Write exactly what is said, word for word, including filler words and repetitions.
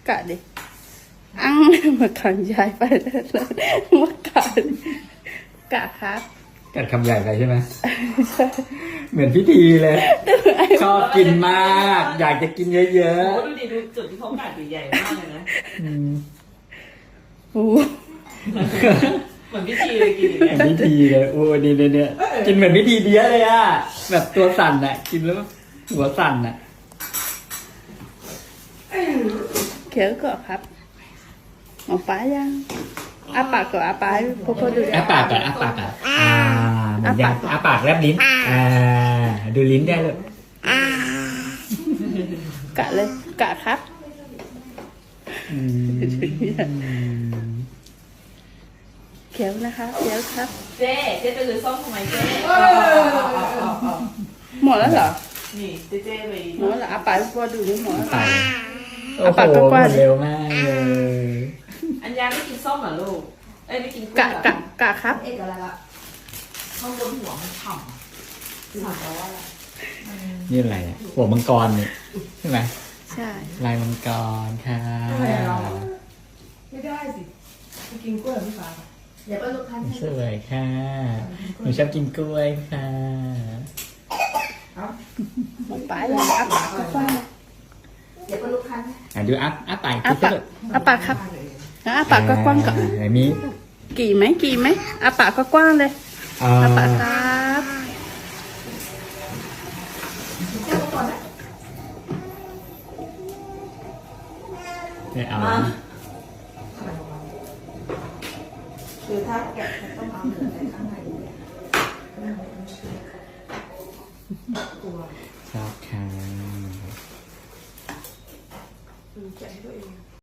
กะดิอังมาขังยายไปแล้วมากะกะครับกัดคำใหญ่ไปใช่ไหมเหมือนพิธีเลย ชอบกินมาก อยากจะกินเยอะโอ้ดูดิดูจุดที่เขากัดใหญ่มากเลยนะๆอืมโอ้เหมือนพิธีเลยกินอย่างเหเงี้ยมือนพิธีเลยโอ้ดีเนี่ยเนี่ยกินเหมือนพิธีเดียเลยอ่ะแบบตัวสั่นอ่ะ กินแล้วหัวสั่นอ่ะเขียวก็ครับหมอป้ายังอาปากก็อาปากพวกเขาดูอ้าปากก่อนอ้าปากก่อนอ่าเหมือนยังอ้าปากแลบลิ้นอ่าดูลิ้นได้เลยกะเลยกะครับอืมเขียวนะคะเขียวครับเจ๊เจ๊ไปซื้อส้มทำไมเจ๊หมดแล้วเหรอนี่เจ๊เจ๊ไปหมดแล้วอาปากพวกดูนี่หมดแล้วไปอ้าปากกว้างๆโอ้โหหมดเร็วมากเลยอัญญาไม่กินส้มเหรอลูกเอ้ยไม่กินกะกะกะครับเอกอะไรละข้างบนหัวมันฉ่ำฉ่ำแปลว่าอะไรนี่อะไรอ่ะหัวมังกรนี่ใช่ไหมใช่ลายมังกรค่ะไม่ได้สิไปกินกล้วยพี่ฟ้าเดี๋ยวไปลูกค้าสวยค่ะหนูชอบกินกล้วยค่ะหมอป้ายังอาปากก็กว้างเดี๋ยวไปลูกค้าอ่ะดูอัพอัพปากอาคิดปากเถอะอาปากครับอาปากก็กว้างก่อนไหนมีกี่ไหมกี่ไหมอาปากก็กว้างเลยอ่าอาปากครับไม่เอาคือถ้าแกะต้องเอาเหนือในข้างในตัวชอบค่ะแกะให้ตัวเอง